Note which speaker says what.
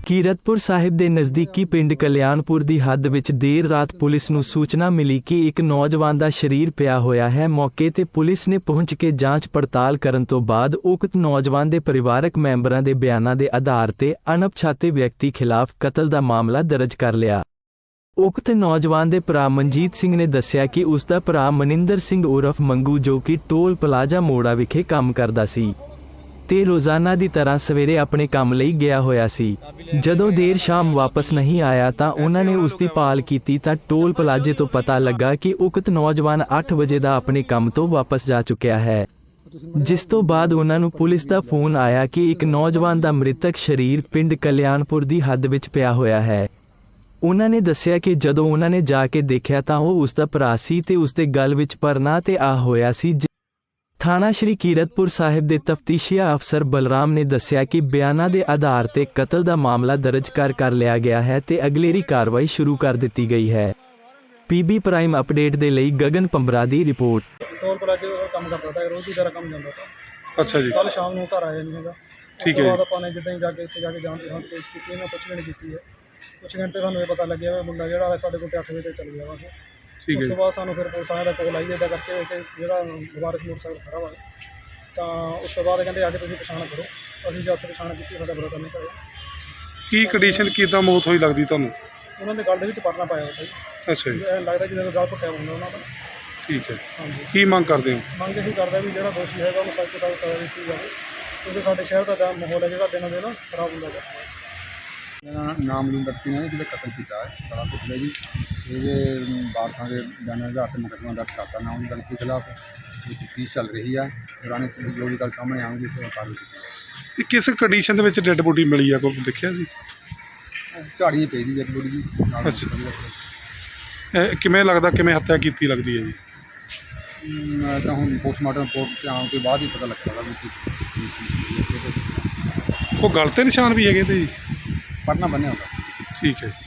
Speaker 1: ਕੀਰਤਪੁਰ ਸਾਹਿਬ ਦੇ ਨਜ਼ਦੀਕੀ ਪਿੰਡ ਕਲਿਆਣਪੁਰ ਦੀ ਹੱਦ ਵਿੱਚ ਦੇਰ ਰਾਤ ਪੁਲਿਸ ਨੂੰ ਸੂਚਨਾ ਮਿਲੀ ਕਿ ਇੱਕ ਨੌਜਵਾਨ ਦਾ ਸਰੀਰ ਪਿਆ ਹੋਇਆ ਹੈ। ਮੌਕੇ ਤੇ ਪੁਲਿਸ ਨੇ ਪਹੁੰਚ ਕੇ ਜਾਂਚ ਪੜਤਾਲ ਕਰਨ ਤੋਂ ਬਾਅਦ ਉਕਤ ਨੌਜਵਾਨ ਦੇ ਪਰਿਵਾਰਕ ਮੈਂਬਰਾਂ ਦੇ ਬਿਆਨਾਂ ਦੇ ਆਧਾਰ ਤੇ ਅਣਪਛਾਤੇ ਵਿਅਕਤੀ ਖਿਲਾਫ ਕਤਲ ਦਾ ਮਾਮਲਾ ਦਰਜ ਕਰ ਲਿਆ। ਉਕਤ ਨੌਜਵਾਨ ਦੇ ਭਰਾ ਮਨਜੀਤ ਸਿੰਘ ਨੇ ਦੱਸਿਆ ਕਿ ਉਸ ਦਾ ਭਰਾ ਮਨਿੰਦਰ ਸਿੰਘ ਉਰਫ ਮੰਗੂ ਜੋ ਕਿ ਟੋਲ ਪਲਾਜ਼ਾ ਮੋੜਾ ਵਿਖੇ ਕੰਮ ਕਰਦਾ ਸੀ ਤੇ ਰੋਜ਼ਾਨਾ ਦੀ ਤਰ੍ਹਾਂ ਸਵੇਰੇ ਆਪਣੇ ਕੰਮ ਲਈ ਗਿਆ ਹੋਇਆ ਸੀ। ਜਦੋਂ ਦੇਰ ਸ਼ਾਮ ਵਾਪਸ ਨਹੀਂ ਆਇਆ ਤਾਂ ਉਹਨਾਂ ਨੇ ਉਸ ਦੀ ਭਾਲ ਕੀਤੀ ਤਾਂ ਟੋਲ ਪਲਾਜ਼ੇ ਤੋਂ ਪਤਾ ਲੱਗਾ ਕਿ ਉਕਤ ਨੌਜਵਾਨ 8 ਵਜੇ ਦਾ ਆਪਣੇ ਕੰਮ ਤੋਂ ਵਾਪਸ ਜਾ ਚੁੱਕਿਆ ਹੈ। ਜਿਸ ਤੋਂ ਬਾਅਦ ਉਹਨਾਂ ਨੂੰ ਪੁਲਿਸ ਦਾ ਫੋਨ ਆਇਆ ਕਿ ਇੱਕ ਨੌਜਵਾਨ ਦਾ ਮ੍ਰਿਤਕ ਸਰੀਰ ਪਿੰਡ ਕਲਿਆਣਪੁਰ ਦੀ ਹੱਦ ਵਿੱਚ ਪਿਆ ਹੋਇਆ ਹੈ। ਉਹਨਾਂ ਨੇ ਦੱਸਿਆ ਕਿ ਜਦੋਂ ਉਹਨਾਂ ਨੇ ਜਾ ਕੇ ਦੇਖਿਆ ਤਾਂ ਉਹ ਉਸ ਦਾ ਭਰਾ ਸੀ ਤੇ ਉਸ ਦੇ ਗਲ ਵਿੱਚ ਪਰਨਾ ਤੇ ਆ ਹੋਇਆ ਸੀ। ਥਾਣਾ ਸ਼੍ਰੀ ਕੀਰਤਪੁਰ ਸਾਹਿਬ ਦੇ ਤਫਤੀਸ਼ੀਆ ਅਫਸਰ ਬਲਰਾਮ ਨੇ ਦੱਸਿਆ ਕਿ ਬਿਆਨਾਂ ਦੇ ਆਧਾਰ ਤੇ ਕਤਲ ਦਾ ਮਾਮਲਾ ਦਰਜ ਕਰ ਲਿਆ ਗਿਆ ਹੈ ਤੇ ਅਗਲੇਰੀ ਕਾਰਵਾਈ ਸ਼ੁਰੂ ਕਰ ਦਿੱਤੀ ਗਈ ਹੈ। ਪੀਬੀ ਪ੍ਰਾਈਮ ਅਪਡੇਟ ਦੇ ਲਈ ਗਗਨ ਪੰਬਰਾ ਦੀ ਰਿਪੋਰਟ।
Speaker 2: ਟੋਲ ਪਲਾਜ਼ੇ ਕੰਮ ਕਰਦਾ था, रोज की तरह काम ਜਾਂਦਾ था।
Speaker 3: ਅੱਛਾ ਜੀ।
Speaker 2: ਕੱਲ ਸ਼ਾਮ ਨੂੰ ਘਰ ਆਇਆ ਨਹੀਂ ਹੈਗਾ।
Speaker 3: ਠੀਕ ਹੈ।
Speaker 2: ਬਾਅਦ ਆਪਾਂ ਨੇ ਜਿੱਦਾਂ ਹੀ ਜਾ ਕੇ ਇੱਥੇ ਜਾ ਕੇ ਜਾਂਚ ਕੀਤੀ, ਮੈਂ ਪੁੱਛਗਿੱਛ ਕੀਤੀ ਹੈ। ਪੁੱਛਗਿੱਛ ਤੇ ਸਾਨੂੰ ਇਹ ਪਤਾ ਲੱਗਿਆ ਵੀ ਮੁੰਡਾ ਜਿਹੜਾ ਸਾਡੇ ਕੋਲ 8 ਵਜੇ ਤੇ ਚੱਲ ਗਿਆ ਵਾ।
Speaker 3: ਠੀਕ ਹੈ।
Speaker 2: ਉਸ ਤੋਂ ਬਾਅਦ ਸਾਨੂੰ ਫਿਰ ਪੁਲਿਸ ਵਾਲਿਆਂ ਦਾ ਕੋਲ ਆਈ ਇੱਦਾਂ ਕਰਕੇ ਕਿ ਜਿਹੜਾ ਵਾਰਿਸ ਮੋਟਰਸਾਈਕਲ ਖੜਾ ਵਾ, ਤਾਂ ਉਸ ਤੋਂ ਬਾਅਦ ਕਹਿੰਦੇ ਆ ਕੇ ਤੁਸੀਂ ਪਛਾਣ ਕਰੋ। ਅਸੀਂ ਜਦ ਪਛਾਣ ਕੀਤੀ, ਸਾਡਾ ਬ੍ਰਦਰ ਨਹੀਂ ਕਰਿਆ।
Speaker 3: ਕੀ ਕੰਡੀਸ਼ਨ ਕਿੱਦਾਂ ਮੌਤ ਹੋਈ ਲੱਗਦੀ ਤੁਹਾਨੂੰ?
Speaker 2: ਉਹਨਾਂ ਦੇ ਗਲ ਦੇ ਵਿੱਚ ਪਰਨਾ ਪਾਇਆ ਹੁੰਦਾ ਜੀ।
Speaker 3: ਅੱਛਾ ਜੀ।
Speaker 2: ਐਂ ਲੱਗਦਾ ਜਿਵੇਂ ਗਲ ਪੁੱਟਿਆ ਹੁੰਦਾ ਉਹਨਾਂ ਦਾ।
Speaker 3: ਠੀਕ ਹੈ।
Speaker 2: ਹਾਂਜੀ।
Speaker 3: ਕੀ ਮੰਗ ਕਰਦੇ ਹੋ?
Speaker 2: ਮੰਗ ਇਹੀ ਕਰਦਾ ਵੀ ਜਿਹੜਾ ਦੋਸ਼ੀ ਹੈਗਾ ਉਹਨੂੰ ਸਖਤ ਤੋਂ ਸਖਤ ਸਜ਼ਾ ਦਿੱਤੀ ਜਾਵੇ, ਕਿਉਂਕਿ ਸਾਡੇ ਸ਼ਹਿਰ ਦਾ ਮਾਹੌਲ ਹੈ ਜਿਹੜਾ ਦਿਨੋਂ ਦਿਨ ਖਰਾਬ ਹੁੰਦਾ ਜਾ ਰਿਹਾ ਹੈ।
Speaker 4: ਮੇਰਾ ਨਾਮ ਮਨਿੰਦਰ ਸਿੰਘ ਹੈ, ਜਿਹਦਾ ਕਤਲ ਕੀਤਾ ਹੈ ਬੜਾ ਕੁਝ ਜੀ। ਇਹਦੇ ਵਾਰਸਾਂ ਦੇ ਬਿਆਨਾਂ ਦੇ ਆਧਾਰ 'ਤੇ ਮੁਕੱਦਮਾ ਦਰਜ ਕਰਤਾ ਨਾ ਉਹਦੀ ਗਲਤੀ ਖਿਲਾਫ ਤਫਤੀਸ਼ ਚੱਲ ਰਹੀ ਹੈ। ਦੌਰਾਨ ਜੋ ਵੀ ਗੱਲ ਸਾਹਮਣੇ ਆਉਣਗੀ ਉਸ ਕਾਰਵਾਈ ਕੀਤੀ ਜਾਵੇਗੀ।
Speaker 3: ਇਹ ਕਿਸ ਕੰਡੀਸ਼ਨ ਦੇ ਵਿੱਚ ਡੈੱਡ ਬੋਡੀ ਮਿਲੀ ਆ, ਕੋਈ ਦੇਖਿਆ ਸੀ?
Speaker 4: ਝਾੜੀਆਂ ਪਈ ਦੀ ਡੈਡ ਬੋਡੀ ਜੀ ਨਾਲ।
Speaker 3: ਇਹ ਕਿਵੇਂ ਲੱਗਦਾ, ਕਿਵੇਂ ਹੱਤਿਆ ਕੀਤੀ ਲੱਗਦੀ ਹੈ ਜੀ?
Speaker 4: ਤਾਂ ਹੁਣ ਪੋਸਟਮਾਰਟਮ ਰਿਪੋਰਟ ਤੇ ਆਉਣ ਤੋਂ ਬਾਅਦ ਹੀ ਪਤਾ ਲੱਗੇਗਾ ਵੀ
Speaker 3: ਕੋਈ ਗਲ ਤੇ ਨਿਸ਼ਾਨ ਵੀ ਹੈਗੇ ਤੇ ਜੀ?
Speaker 4: ਪੜਨਾ ਬੰਨਿਆ ਹੁੰਦਾ।
Speaker 3: ਠੀਕ ਹੈ।